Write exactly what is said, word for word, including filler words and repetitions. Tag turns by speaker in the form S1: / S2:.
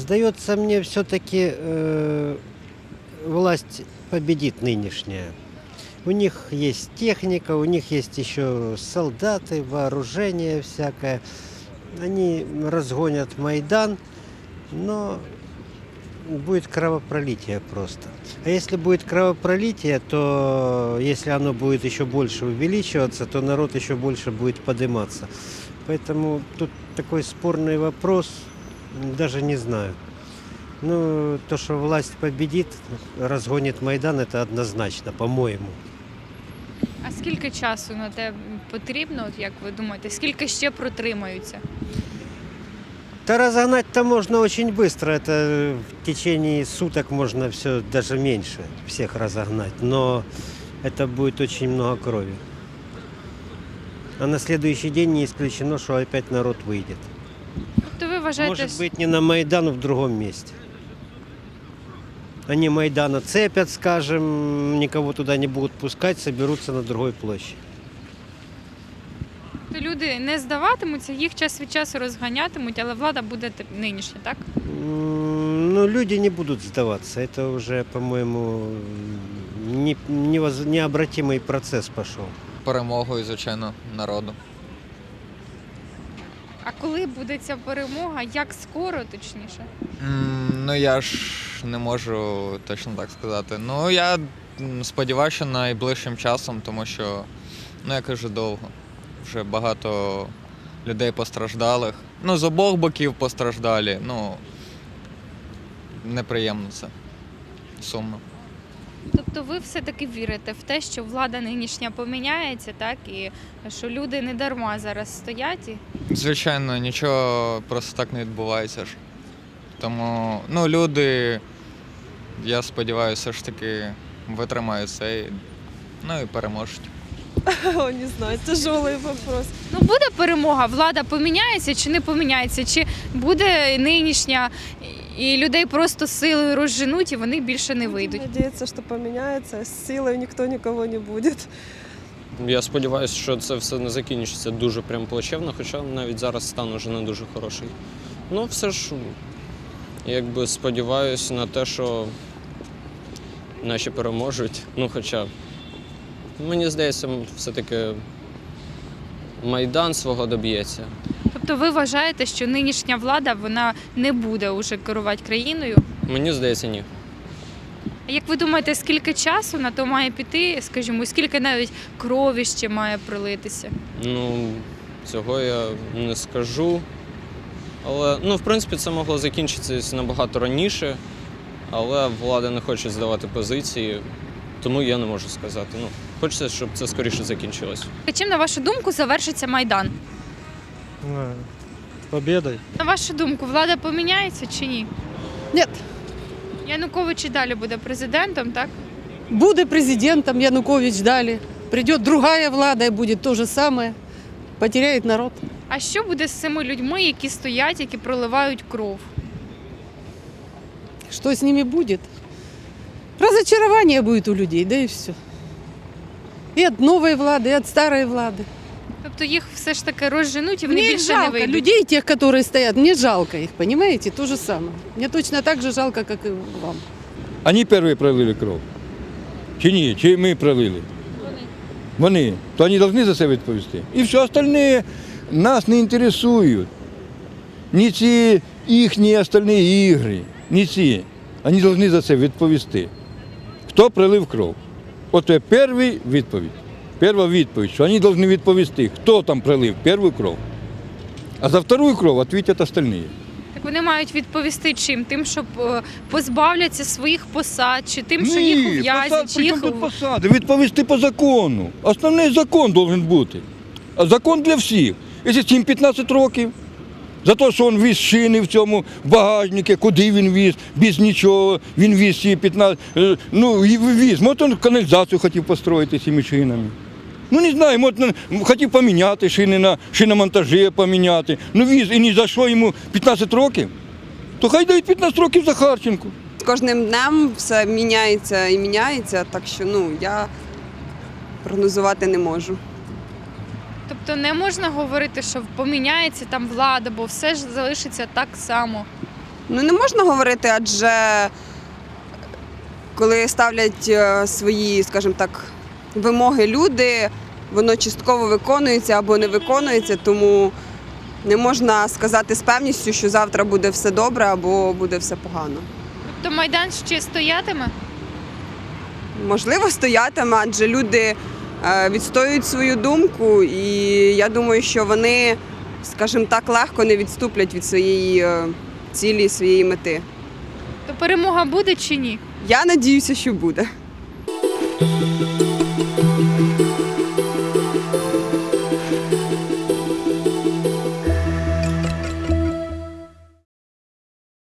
S1: Сдается мне все-таки э, власть победит нынешняя. У них есть техника, у них есть еще солдаты, вооружение всякое. Они разгонят Майдан, но будет кровопролитие просто. А если будет кровопролитие, то если оно будет еще больше увеличиваться, то народ еще больше будет подниматься. Поэтому тут такой спорный вопрос, даже не знаю. Ну, то, что власть победит, разгонит Майдан, это однозначно, по-моему.
S2: А скільки часу на те потрібно, от як ви думаєте, скільки ще протримаються?
S1: Да разогнать-то можно очень быстро, это в течение суток можно все, даже меньше всех разогнать, но это будет очень много крови. А на следующий день не исключено, что опять народ выйдет.
S2: Тобто ви вважаєте,
S1: Может быть, не на Майдан, а в другом месте. Они Майдана цепят, скажем, никого туда не будут пускать, соберутся на другой площади.
S2: що люди не здаватимуться, їх час від часу розганятимуть, але влада буде нинішня, так?
S1: М, Ну, люди не будут сдаваться. Это уже, по-моему, не, невоз- необратимый процесс пошел.
S3: Перемогою, звичайно, народу.
S2: А коли буде ця перемога, як скоро, точніше?
S3: М, Ну я ж не можу точно так сказати. Ну я м, сподіваюся, що найближчим часом, тому що, ну я кажу, довго. Вже багато людей постраждалих. Ну, з обох боків постраждалі. Ну, неприємно це. Сумно.
S2: Тобто ви все-таки вірите в те, що влада нинішня поміняється, так? І що люди не дарма зараз стоять? І...
S3: Звичайно, нічого просто так не відбувається ж. Тому, ну, люди, я сподіваюся, все ж таки витримають це і, ну, і переможуть.
S4: О, не знаю, тяжелый вопрос.
S2: Ну буде перемога, влада поміняється чи не поміняється, чи буде нинішня і людей просто силою розженуть і вони більше не вийдуть.
S4: Надеяться, что поменяется. С силой никто никого не будет.
S5: Я сподіваюся, що це все не закінчиться дуже прям плачевно, хоча навіть зараз стан уже не дуже хороший. Ну, все ж, якби сподіваюся на те, що наші переможуть. Ну, хоча, мені здається, все-таки Майдан свого доб'ється.
S2: Тобто ви вважаєте, що нинішня влада вона не буде уже керувати країною?
S5: Мені здається, ні.
S2: А як ви думаєте, скільки часу на то має піти, скажімо, скільки навіть крові ще має пролитися?
S5: Ну, цього я не скажу. Але, ну, в принципі, це могло закінчитися набагато раніше, але влада не хоче здавати позиції, тому я не можу сказати. Ну, хочеться, щоб це скоріше закінчилось.
S2: Чим, на вашу думку, завершиться Майдан?
S6: Победой.
S2: На вашу думку, влада поміняється чи ні?
S7: Нет.
S2: Янукович і далі буде президентом, так?
S7: Буде президентом, Янукович далі. Придет другая влада и будет то же самое. Потеряет народ.
S2: А що буде з цими людьми, які стоять, які проливають кров?
S7: Что с ними будет? Разочарование будет у людей, да и все. И от новой влады, и от старой влады.
S2: Тобто їх все ж таки розженуть і вони
S7: Мне их
S2: більше не
S7: жалко,
S2: вийдуть?
S7: людей тех, которые стоят, мне жалко их, понимаете? То же самое. Мне точно так же жалко, как и вам.
S8: Вони перші пролили кров. Чи ні? Чи ми пролили?
S2: Вони.
S8: Вони. То вони повинні за це відповісти. І все остальне нас не інтересують. Ні ці їхні остальні ігри, ні ці. Вони повинні за це відповісти. Хто пролив кров? От це перша відповідь. Перша відповідь, що вони повинні відповісти, хто там пролив першу кров. А за вторую кров відповідять остальні.
S2: Так вони мають відповісти чим? Тим, що е, позбавляться своїх посад, чи тим, що
S8: Ні,
S2: їх ув'язнять,
S8: посад,
S2: чи
S8: при
S2: їх...
S8: чому тут посади? Відповісти по закону. Основний закон має бути. А закон для всіх. Якщо цим п'ятнадцять років, за те, що він віз шини в цьому багажнику, куди він віз, без нічого, він віз ці п'ятнадцять, е, ну, і віз. Може, він каналізацію хотів построїти цими шинами. Ну, не знаю, може, хотів поміняти шини на шиномонтажі, поміняти. Ну, віз, і ні за що йому п'ятнадцять років. То хай дають п'ятнадцять років Захарченку.
S9: З кожним днем все міняється і міняється, так що, ну, я прогнозувати не можу.
S2: Тобто не можна говорити, що поміняється там влада, бо все ж залишиться так само.
S9: Ну не можна говорити, адже коли ставлять е, свої, скажімо так, вимоги люди, воно частково виконується або не виконується, тому не можна сказати з певністю, що завтра буде все добре або буде все погано.
S2: Тобто Майдан ще стоятиме?
S9: Можливо, стоятиме, адже люди е, відстоюють свою думку, і я думаю, що вони, скажімо так, легко не відступлять від своєї е, цілі, своєї мети.
S2: То перемога буде чи ні?
S9: Я надіюся, що буде.
S6: Thank you.